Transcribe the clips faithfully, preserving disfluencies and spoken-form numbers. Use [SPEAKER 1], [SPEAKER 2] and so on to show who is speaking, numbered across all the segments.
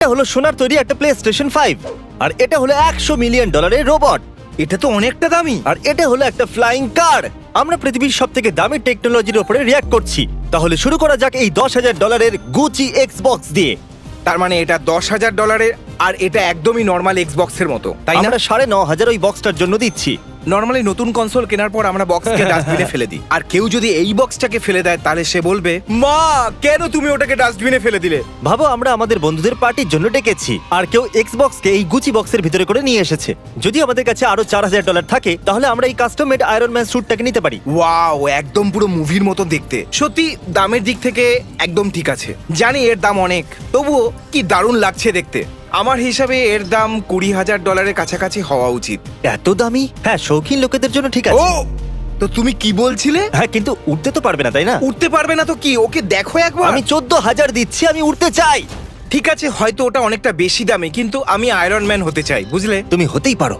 [SPEAKER 1] এটা হলো সোনার তৈরি একটা প্লে স্টেশন ফাইভ, আর এটা হলো একশো মিলিয়ন ডলারের রোবট,
[SPEAKER 2] এটা তো অনেকটা দামি।
[SPEAKER 1] আর এটা হলো একটা ফ্লাইং কার। আমরা পৃথিবীর সব থেকে দামি টেকনোলজির উপরে রিয়াক্ট করছি। তাহলে শুরু করা যাক এই দশ হাজার ডলারের গুচি এক্সবক্স দিয়ে।
[SPEAKER 2] তার মানে এটা দশ হাজার ডলারের, আর এটা একদমই নর্মাল এক্সবক্সের মতো, তাই না?
[SPEAKER 1] আমরা সাড়ে ন হাজার ওই বক্সটার জন্য দিচ্ছি।
[SPEAKER 2] নর্মালি নতুন কনসোল কেনার পর আমরা বক্সকে ডাস্টবিনে ফেলে দিই, আর কেউ যদি এই বক্সটাকে ফেলে দেয় তাহলে সে বলবে, মা কেন তুমি ওটাকে ডাস্টবিনে ফেলে দিলে?
[SPEAKER 1] ভাবো, আমরা আমাদের বন্ধুদের পার্টির জন্য ডেকেছি, আর কেউ এক্সবক্সকে এই গুচি বক্সের ভিতরে করে নিয়ে এসেছে। যদি আমাদের কাছে আরো চার হাজার ডলার থাকে তাহলে আমরা এই কাস্টম মেড আয়রন ম্যান স্যুটটাকে নিতে পারি।
[SPEAKER 2] ওয়াও, একদম পুরো মুভির মতো দেখতে। সত্যি দামের দিক থেকে একদম ঠিক আছে। জানি এর দাম অনেক, তবুও কি দারুণ লাগছে দেখতে। আমার হিসাবে এর দাম কুড়ি হাজার ডলারের কাছাকাছি হওয়া উচিত।
[SPEAKER 1] এত দামি? হ্যাঁ, শৌখিন লোকেদের জন্য ঠিক
[SPEAKER 2] ও,
[SPEAKER 1] আছে।
[SPEAKER 2] তো তুমি কি বলছিলে?
[SPEAKER 1] হ্যাঁ, কিন্তু উঠতে তো পারবে না, তাই না?
[SPEAKER 2] উঠতে পারবে না তো কি? ওকে দেখো একবার।
[SPEAKER 1] আমি চোদ্দ হাজার দিচ্ছি, আমি উঠতে চাই।
[SPEAKER 2] ঠিক আছে, হয়তো ওটা অনেকটা বেশি দামি, কিন্তু আমি আয়রন ম্যান হতে চাই, বুঝলে?
[SPEAKER 1] তুমি হতেই পারো।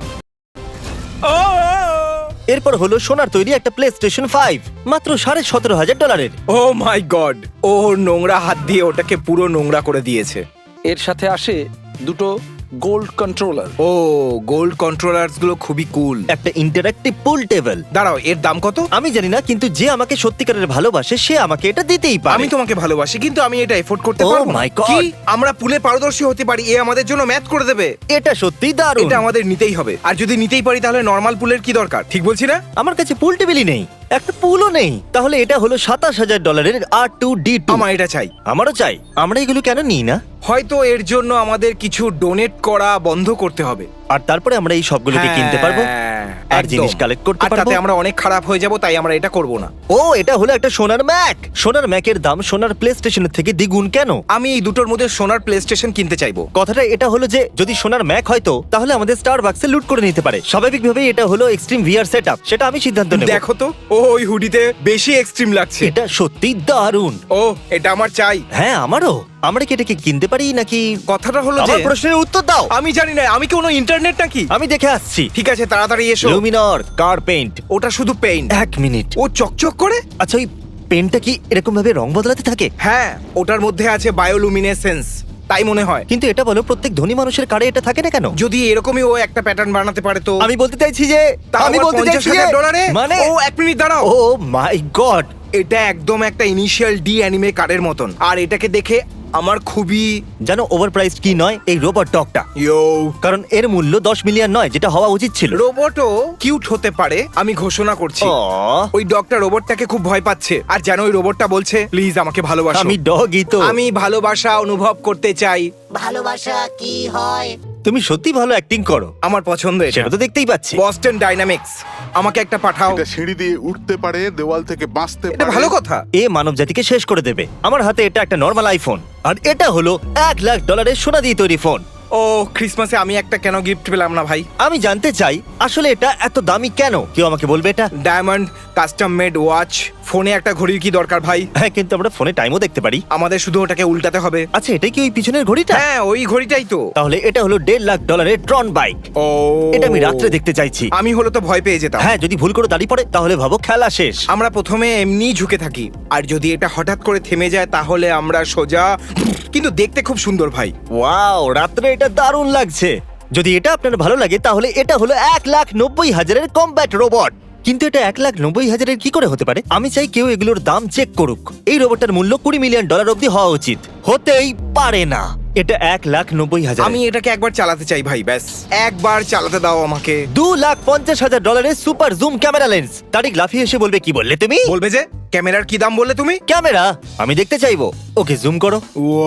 [SPEAKER 1] এরপর হলো সোনার তৈরি একটা প্লে স্টেশন ফাইভ, মাত্র সাড়ে সতেরো হাজার ডলারের।
[SPEAKER 2] ও মাই গড, ও নোংরা হাত দিয়ে ওটাকে পুরো নোংরা করে দিয়েছে।
[SPEAKER 3] এর সাথে আসে দুটো গোল্ড কন্ট্রোলার।
[SPEAKER 2] ও, গোল্ড কন্ট্রোলার্স গুলো খুবই কুল।
[SPEAKER 1] একটা ইন্টারঅ্যাক্টিভ পুল টেবিল।
[SPEAKER 2] দাঁড়াও, এর দাম কত?
[SPEAKER 1] আমি জানি না, কিন্তু যে আমাকে সত্যিকারের ভালোবাসে সে আমাকে এটা দিতেই পারে।
[SPEAKER 2] আমি তোমাকে ভালোবাসি, কিন্তু আমি এটা এফোর্ড করতে
[SPEAKER 1] Oh
[SPEAKER 2] পারবো না।
[SPEAKER 1] my God!
[SPEAKER 2] কি আমরা পুলে পারদর্শী হতে পারি? এ আমাদের জন্য ম্যাথ করে দেবে।
[SPEAKER 1] এটা সত্যি দারুণ।
[SPEAKER 2] এটা আমাদের নিতেই হবে, আর যদি নিতেই পারি তাহলে নর্মাল পুলের কি দরকার? ঠিক বলছি না?
[SPEAKER 1] আমার কাছে পুল টেবিলই নেই, একটা পুলও নেই। তাহলে এটা হলো সাতাশ হাজার ডলারের আর টু ডি টু।
[SPEAKER 2] আমার এটা চাই।
[SPEAKER 1] আমারও চাই। আমরা এগুলো কেন নিই না?
[SPEAKER 2] হয়তো এর জন্য আমাদের কিছু ডোনেট করা বন্ধ করতে হবে,
[SPEAKER 1] আর তারপরে আমরা এই সবগুলোকে কিনতে পারবো
[SPEAKER 2] হ্যাঁ,
[SPEAKER 1] আর
[SPEAKER 2] একদম।
[SPEAKER 1] জিনিস কালেক্ট করতে
[SPEAKER 2] আর
[SPEAKER 1] পারবো।
[SPEAKER 2] তাতে আমরা অনেক খারাপ হয়ে যাব, তাই আমরা এটা করব না।
[SPEAKER 1] ও, এটা হলো একটা সোনার ম্যাক। সোনার ম্যাকের দাম সোনার প্লে স্টেশনের থেকে দ্বিগুণ কেন?
[SPEAKER 2] আমি এই দুটোর মধ্যে সোনার প্লে স্টেশন কিনতে চাইবো।
[SPEAKER 1] কথাটা এটা হলো যে যদি সোনার ম্যাক হয়তো তাহলে আমাদের স্টার বাক্সে লুট করে নিতে পারে। স্বাভাবিকভাবেই এটা হলো এক্সট্রিম ভিআর সেটআপ, সেটা আমি সিদ্ধান্ত নেব।
[SPEAKER 2] দেখো তো, ও ওই হুডিতে বেশি এক্সট্রিম লাগছে।
[SPEAKER 1] এটা সত্যি দারুণ।
[SPEAKER 2] ও, এটা আমার চাই।
[SPEAKER 1] হ্যাঁ, আমারও। আমরা কি এটাকে কিনতে পারি নাকি?
[SPEAKER 2] কথাটা হলো যে
[SPEAKER 1] আমার প্রশ্নের উত্তর দাও।
[SPEAKER 2] আমি জানি না, আমি কোনো ইন্টারনেট নাকি?
[SPEAKER 1] আমি দেখে আসছি।
[SPEAKER 2] ঠিক আছে, তাড়াতাড়ি এসো।
[SPEAKER 1] Luminor car paint.
[SPEAKER 2] ওটা শুধু পেইন্ট।
[SPEAKER 1] এক মিনিট।
[SPEAKER 2] ও চকচক করে।
[SPEAKER 1] আচ্ছা, ওই পেনটা কি এরকম ভাবে রং বদলাতে থাকে?
[SPEAKER 2] হ্যাঁ, ওটার মধ্যে আছে বায়োলুমিনেসেন্স, তাই মনে হয়।
[SPEAKER 1] কিন্তু এটা বলো, প্রত্যেক ধনী মানুষের কারে এটা থাকে না কেন?
[SPEAKER 2] যদি এরকমই ও একটা প্যাটার্ন বানাতে পারে তো।
[SPEAKER 1] আমি বলতে চাইছি যে
[SPEAKER 2] তাও
[SPEAKER 1] আমি
[SPEAKER 2] আবার
[SPEAKER 1] বলতে
[SPEAKER 2] পঞ্চাশ
[SPEAKER 1] চাইছি যে
[SPEAKER 2] হাজার ডলারে।
[SPEAKER 1] মানে
[SPEAKER 2] ও এক মিনিট দাঁড়াও।
[SPEAKER 1] ও মাই গড,
[SPEAKER 2] এটা একদম একটা ইনিশিয়াল ডি অ্যানিমে কার্ডের মতন, আর এটাকে দেখে আমার খুবই
[SPEAKER 1] জানো ওভার প্রাইসড কি নয়? এই রোবট ডগটা।
[SPEAKER 2] ইয়ো।
[SPEAKER 1] কারণ এর মূল্য দশ মিলিয়ন নয়, যেটা হওয়া উচিত ছিল।
[SPEAKER 2] রোবটও কিউট হতে পারে, আমি ঘোষণা করছি।
[SPEAKER 1] আহ,
[SPEAKER 2] ওই ডগটা রোবটটাকে খুব ভয় পাচ্ছে, আর যেন ওই রোবটটা বলছে, প্লিজ আমাকে ভালোবাসো।
[SPEAKER 1] আমি ডগই তো।
[SPEAKER 2] আমি ভালোবাসা অনুভব করতে চাই।
[SPEAKER 4] ভালোবাসা কি হয়?
[SPEAKER 1] তুমি সত্যি ভালো অ্যাক্টিং করো,
[SPEAKER 2] আমার পছন্দ এটা।
[SPEAKER 1] সেটা তো দেখতেই পাচ্ছি।
[SPEAKER 2] বস্টন ডাইনামিক্স, আমাকে একটা পাঠাও।
[SPEAKER 5] এটা সিঁড়ি দিয়ে উঠতে পারে, দেওয়াল থেকে বাঁচতে
[SPEAKER 2] এটা
[SPEAKER 5] পারে।
[SPEAKER 2] ভালো কথা।
[SPEAKER 1] এ মানব জাতিকে শেষ করে দেবে। আমার হাতে এটা একটা নর্মাল আইফোন, আর এটা হলো এক লাখ ডলারের সোনা দিয়ে তৈরি ফোন।
[SPEAKER 2] ও, ক্রিসমাসে আমি একটা কেন গিফট পেলাম না ভাই?
[SPEAKER 1] আমি জানতে চাই আসলে এটা এত দামি কেন? কেউ আমাকে বলবে এটা?
[SPEAKER 2] Diamond custom made watch. ফোনে একটা ঘড়ির কি দরকার ভাই?
[SPEAKER 1] হ্যাঁ, কিন্তু আমরা ফোনে টাইমও দেখতে পারি।
[SPEAKER 2] আমাদের শুধু ওটাকে উল্টাতে হবে।
[SPEAKER 1] আচ্ছা, এটাই কি ওই পিছনের ঘড়িটা?
[SPEAKER 2] হ্যাঁ, ওই ঘড়িটাই তো।
[SPEAKER 1] তাহলে এটা হলো দেড় লাখ ডলারের ট্রন বাইক।
[SPEAKER 2] ও,
[SPEAKER 1] এটা আমি রাত্রে দেখতে চাইছি।
[SPEAKER 2] আমি হলো তো ভয় পেয়ে যেতাম।
[SPEAKER 1] হ্যাঁ, যদি ভুল করে দাঁড়িয়ে পড়ে তাহলে ভাবো খেলা শেষ।
[SPEAKER 2] আমরা প্রথমে এমনি ঝুঁকে থাকি, আর যদি এটা হঠাৎ করে থেমে যায় তাহলে আমরা সোজা। কিন্তু দেখতে খুব সুন্দর ভাই।
[SPEAKER 1] ওয়াও, রাত্রে এটা দারুণ লাগছে। যদি এটা আপনার ভালো লাগে তাহলে এটা হলো এক লাখ নব্বই হাজারের কমব্যাট রোবট। কিন্তু এটা এক লাখ নব্বই হাজারের কি করে হতে পারে? আমি চাই কেউ এগুলোর দাম চেক করুক। এই রোবটটার মূল্য কুড়ি মিলিয়ন ডলার অব্দি হওয়া উচিত। হতেই পারে না। এটা এক লাখ নব্বই হাজার।
[SPEAKER 2] আমি এটাকে একবার চালাতে চাই ভাই, ব্যাস একবার চালাতে দাও আমাকে।
[SPEAKER 1] দু লাখ পঞ্চাশ হাজার ডলারের super zoom camera lens. Tariq লাফিয়ে এসে বলবে, কি বললে তুমি?
[SPEAKER 2] বলবে যে ক্যামেরার কি দাম বললে তুমি?
[SPEAKER 1] ক্যামেরা আমি দেখতে চাইবো। ওকে, জুম করো।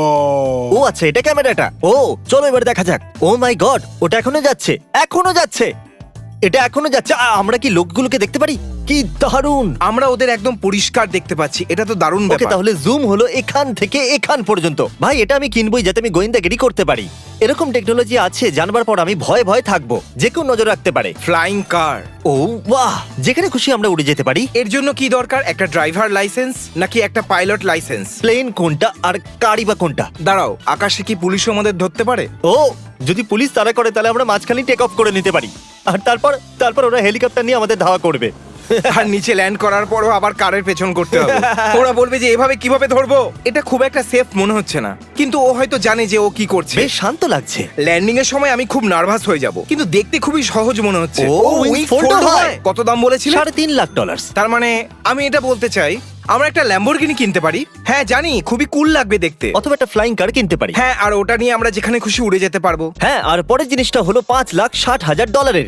[SPEAKER 1] ও আচ্ছা, এটা ক্যামেরাটা। ও চলো এবার দেখা যাক। ও মাই গড, ওটা এখনো যাচ্ছে, এখনো যাচ্ছে, এটা এখনো যাচ্ছে। আ, আমরা কি লোকগুলোকে দেখতে পারি? কি দারুণ।
[SPEAKER 2] আমরা ওদের একদম পরিষ্কার দেখতে পাচ্ছি, এটা তো দারুণ
[SPEAKER 1] ওকে,
[SPEAKER 2] ব্যাপার।
[SPEAKER 1] তাহলে জুম হলো এখান থেকে এখান পর্যন্ত। ভাই, এটা আমি কিনবই যাতে আমি গোয়েন্দাগিরি করতে পারি। এরকম টেকনোলজি আছে জানবার পর আমি ভয় ভয় থাকবো, যে কেউ নজর রাখতে পারে।
[SPEAKER 2] ফ্লাইং কার।
[SPEAKER 1] ও বাহ, যেখানে খুশি আমরা উড়ে যেতে পারি।
[SPEAKER 2] এর জন্য কি দরকার? একটা ড্রাইভার লাইসেন্স নাকি একটা পাইলট লাইসেন্স?
[SPEAKER 1] প্লেন কোনটা আর গাড়ি বা কোনটা?
[SPEAKER 2] দাঁড়াও, আকাশে কি পুলিশও আমাদের ধরতে পারে?
[SPEAKER 1] ও, যদি পুলিশ তারা করে তাহলে আমরা মাঝখানে টেক অফ করে নিতে পারি, আর তারপর তারপর ওরা হেলিকপ্টার নিয়ে আমাদের ধাওয়া করবে।
[SPEAKER 2] আর নিচে ল্যান্ড করার পরও আবার কারের পেছন করতে হবে। ওরা বলবে যে এভাবে কিভাবে ধরবো, এটা খুব একটা সেফ মনে হচ্ছে না, কিন্তু ও হয়তো জানে যে ও কি করছে।
[SPEAKER 1] বেশ শান্ত লাগছে।
[SPEAKER 2] ল্যান্ডিং এর সময় আমি খুব নার্ভাস হয়ে যাব, কিন্তু দেখতে খুবই সহজ মনে হচ্ছে।
[SPEAKER 1] ও,
[SPEAKER 2] ও,
[SPEAKER 1] wings
[SPEAKER 2] wings
[SPEAKER 1] fold
[SPEAKER 2] fold
[SPEAKER 1] হয়।
[SPEAKER 2] হয়? কত দাম বলেছিলে?
[SPEAKER 1] সাড়ে তিন লাখ ডলার।
[SPEAKER 2] তার মানে আমি এটা বলতে চাই আমরা একটা ল্যাম্বরগিনি কিনতে পারি। হ্যাঁ জানি, খুবই কুল লাগবে দেখতে।
[SPEAKER 1] অথবা একটা ফ্লাইং কার কিনতে পারি।
[SPEAKER 2] হ্যাঁ, আর ওটা নিয়ে আমরা যেখানে খুশি উড়ে যেতে পারবো।
[SPEAKER 1] হ্যাঁ, আর পরের জিনিসটা হলো পাঁচ লাখ ষাট হাজার ডলারের।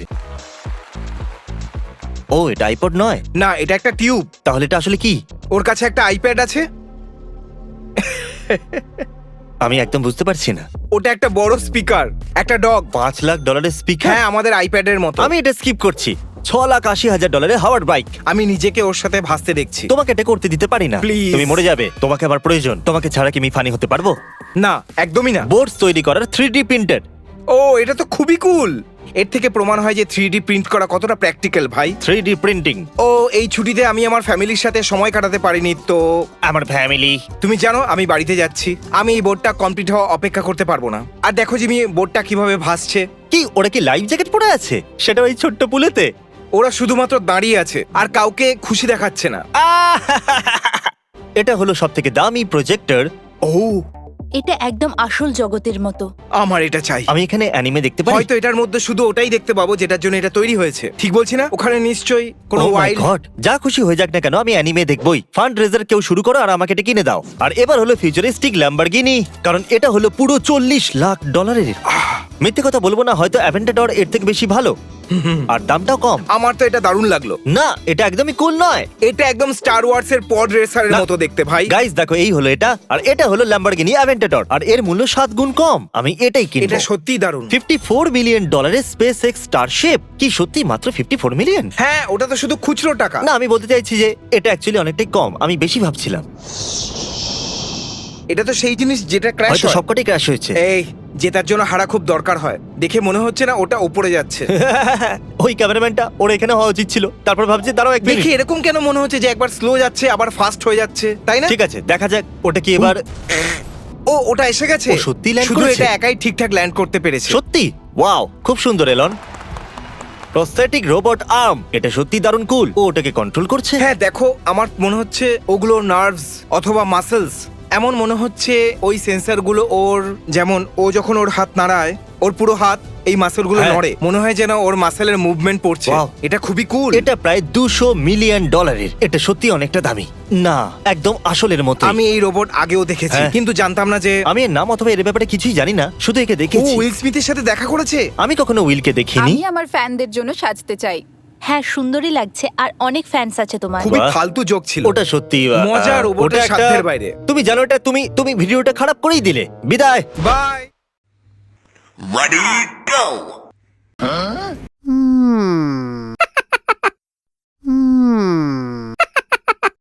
[SPEAKER 1] ও, এটা আইপড নয়।
[SPEAKER 2] না, এটা একটা টিউব।
[SPEAKER 1] তাহলে এটা আসলে কি?
[SPEAKER 2] ওর কাছে একটা আইপ্যাড আছে।
[SPEAKER 1] আমি একদম বুঝতে পারছি না।
[SPEAKER 2] ওটা একটা বড় স্পিকার, একটা ডগ।
[SPEAKER 1] পাঁচ লাখ ডলারের স্পিকার?
[SPEAKER 2] হ্যাঁ, আমাদের আইপ্যাডের মতো।
[SPEAKER 1] আমি এটা স্কিপ করছি। ছ লাখ আশি হাজার ডলারের হাওয়ার্ড বাইক।
[SPEAKER 2] আমি নিজেকে ওর সাথে ভাসতে দেখছি।
[SPEAKER 1] তোমাকে এটা করতে দিতে পারি না।
[SPEAKER 2] Please.
[SPEAKER 1] তুমি মরে যাবে। তোমাকে আমার প্রয়োজন। তোমাকে ছাড়া কি আমি ফানি হতে পারবো?
[SPEAKER 2] না, একদমই না।
[SPEAKER 1] বোর্ডস তৈরি করার থ্রি ডি প্রিন্টেড।
[SPEAKER 2] ও, এটা তো খুবই কুল। এর থেকে প্রমাণ হয় যে থ্রি ডি প্রিন্ট করা কতটা প্র্যাকটিক্যাল, ভাই।
[SPEAKER 1] Three D printing.
[SPEAKER 2] ও, এই ছুটিতে আমি আমার ফ্যামিলির সাথে সময় কাটাতে পারিনি, তো
[SPEAKER 1] আমার ফ্যামিলি।
[SPEAKER 2] তুমি জানো আমি বাড়িতে যাচ্ছি। আমি এই বোর্ডটা কমপ্লিট হওয়া অপেক্ষা করতে পারবো না। আর দেখো জিমি, বোর্ডটা কিভাবে ভাসছে।
[SPEAKER 1] কি ওরা কি লাইফ জ্যাকেট পরে আছে? সেটা ওই ছোট্ট পুলেতে।
[SPEAKER 2] ওরা শুধুমাত্র দাঁড়িয়ে আছে আর কাউকে খুশি দেখাচ্ছে না।
[SPEAKER 1] আহ! এটা হলো সব থেকে দামি প্রজেক্টর।
[SPEAKER 2] ও,
[SPEAKER 6] এটা একদম আসল জগতের মতো।
[SPEAKER 2] আমার এটা চাই।
[SPEAKER 1] আমি এখানে অ্যানিমে দেখতে পারি।
[SPEAKER 2] হয়তো এটার মধ্যে শুধু ওটাই দেখতে পাবো যেটার জন্য এটা তৈরি হয়েছে। ঠিক বলছি না? ওখানে নিশ্চয়ই কোনো
[SPEAKER 1] Oh my
[SPEAKER 2] ওয়াইল্ড।
[SPEAKER 1] God! যা খুশি হয়ে যাক না কেন, আমি অ্যানিমে দেখবই। ফান্ড রেজার কেউ শুরু করো আর আমাকে এটা কিনে দাও। আর এবার হলো ফিউচারিস্টিক ল্যাম্বরগিনি, কারণ এটা হলো পুরো চল্লিশ লাখ ডলারের। মিথ্যে কথা বলবো না, হয়তো অ্যাভেন্টাডর এর থেকে বেশি ভালো, আর দামটাও কম।
[SPEAKER 2] আমার তো এটা দারুণ লাগলো।
[SPEAKER 1] না, এটা একদমই কুল নয়।
[SPEAKER 2] এটা একদম স্টার ওয়ার্স এর পড রেসারের
[SPEAKER 1] না।
[SPEAKER 2] মতো দেখতে, ভাই।
[SPEAKER 1] গাইস দেখো, এই হলো এটা, আর এটা হলো ল্যাম্বরগিনি অ্যাভেন্টাডর, আর এর মূল্য সাত গুণ কম। আমি এটাই কিনবো।
[SPEAKER 2] এটা সত্যিই দারুণ।
[SPEAKER 1] ফিফটি ফোর মিলিয়ন ডলারের স্পেস এক্স স্টারশিপ। কি সত্যি মাত্র ফিফটি ফোর মিলিয়ন?
[SPEAKER 2] হ্যাঁ, ওটা তো শুধু খুচরো টাকা।
[SPEAKER 1] না, আমি বলতে চাইছি যে এটা অ্যাকচুয়ালি অনেকটাই কম। আমি বেশি ভাবছিলাম।
[SPEAKER 2] এটা তো সেই জিনিস যেটা ক্র্যাশ
[SPEAKER 1] হয়তো
[SPEAKER 2] হয়।
[SPEAKER 1] সবকটাই ক্র্যাশ হয়েছে।
[SPEAKER 2] এই, জেতার জন্য হারা খুব দরকার হয়। দেখে মনে হচ্ছে না ওটা উপরে যাচ্ছে।
[SPEAKER 1] ওই ক্যামেরাম্যানটা ওর এখানে হওয়া উচিত ছিল। তারপর ভাবছি দাঁড়াও এক
[SPEAKER 2] দেখে
[SPEAKER 1] মিনিট।
[SPEAKER 2] এরকম কেন মনে হচ্ছে যে একবার স্লো যাচ্ছে আবার ফাস্ট হয়ে যাচ্ছে, তাই না?
[SPEAKER 1] ঠিক আছে, দেখা যাক ওটা কি এবার।
[SPEAKER 2] ও, ওটা এসে গেছে।
[SPEAKER 1] ও সত্যিই land
[SPEAKER 2] শুধু
[SPEAKER 1] করেছে?
[SPEAKER 2] এটা একাই ঠিকঠাক ল্যান্ড করতে পেরেছে।
[SPEAKER 1] সত্যি? ওয়াও, খুব সুন্দর এলন। প্রস্থেটিক রোবট আর্ম, এটা সত্যি দারুণ কুল। ও ওটাকে কন্ট্রোল করছে।
[SPEAKER 2] হ্যাঁ, দেখো, আমার মনে হচ্ছে ওগুলো নার্ভস অথবা মাসেলস। এমন মনে হচ্ছে ওই সেন্সরগুলো ওর, যেমন ও যখন ওর হাত নাড়ায় ওর পুরো হাত এই মাসেলগুলো
[SPEAKER 1] হ্যাঁ।
[SPEAKER 2] নড়ে। মনে হয় যেন ওর মাসেলের মুভমেন্ট পড়ছে।
[SPEAKER 1] Wow.
[SPEAKER 2] এটা খুবই কুল।
[SPEAKER 1] এটা প্রায় দুশো মিলিয়ন ডলারের। এটা সত্যি অনেকটা দামি। না, একদম আসলের মতো।
[SPEAKER 2] আমি এই রোবট আগেও দেখেছি,
[SPEAKER 1] হ্যাঁ।
[SPEAKER 2] কিন্তু জানতাম না যে
[SPEAKER 1] আমি এর নাম অথবা এর ব্যাপারে কিছুই জানি না, শুধু একে
[SPEAKER 2] ও
[SPEAKER 1] দেখেছি।
[SPEAKER 2] উইল স্মিথের সাথে দেখা করেছে।
[SPEAKER 1] আমি কখনো উইলকে দেখিনি।
[SPEAKER 7] আমি আমার ফ্যানদের জন্য সাজতে চাই।
[SPEAKER 6] হ্যাঁ, সুন্দরই লাগছে, আর অনেক ফ্যান্স আছে তোমার।
[SPEAKER 2] খুবই
[SPEAKER 1] বাহ।
[SPEAKER 2] ফালতু জোক ছিল।
[SPEAKER 1] ওটা সত্যি আহ,
[SPEAKER 2] মজা, রোবটের
[SPEAKER 1] ওটা একটা-
[SPEAKER 2] সাধ্যের বাইরে।
[SPEAKER 1] তুমি জানো এটা, তুমি তুমি ভিডিওটা খারাপ করেই দিলে। বিদায়।
[SPEAKER 2] বাই।
[SPEAKER 4] Ready, go!